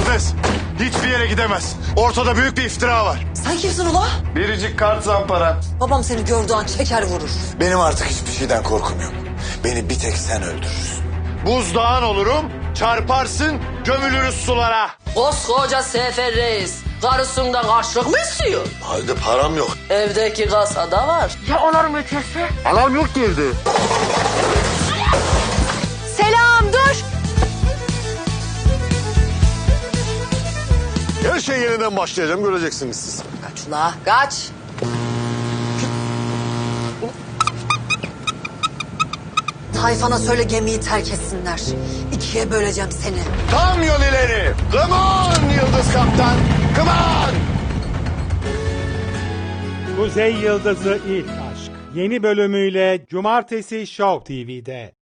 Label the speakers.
Speaker 1: İmkansız. Hiçbir yere gidemez. Ortada büyük bir iftira var.
Speaker 2: Sen kimsin ula?
Speaker 1: Biricik kart zampara.
Speaker 2: Babam seni gördüğü an çeker vurur.
Speaker 3: Benim artık hiçbir şeyden korkum yok. Beni bir tek sen öldürürsün.
Speaker 1: Buzdağın olurum, çarparsın, gömülürüz sulara.
Speaker 4: Koskoca Sefer Reis karısından karşılık mı istiyor?
Speaker 3: Halde param yok.
Speaker 4: Evdeki kasada var.
Speaker 1: Alarm yok ki evde.
Speaker 2: Selam dur.
Speaker 1: Her şey yeniden başlayacağım, göreceksiniz siz.
Speaker 2: Kaç ula kaç. Tayfana söyle gemiyi terk etsinler. İkiye böleceğim seni.
Speaker 1: Tam yol ileri. Come on Yıldız Kaptan. Come on.
Speaker 5: Kuzey Yıldızı İlk Aşk yeni bölümüyle Cumartesi Show TV'de.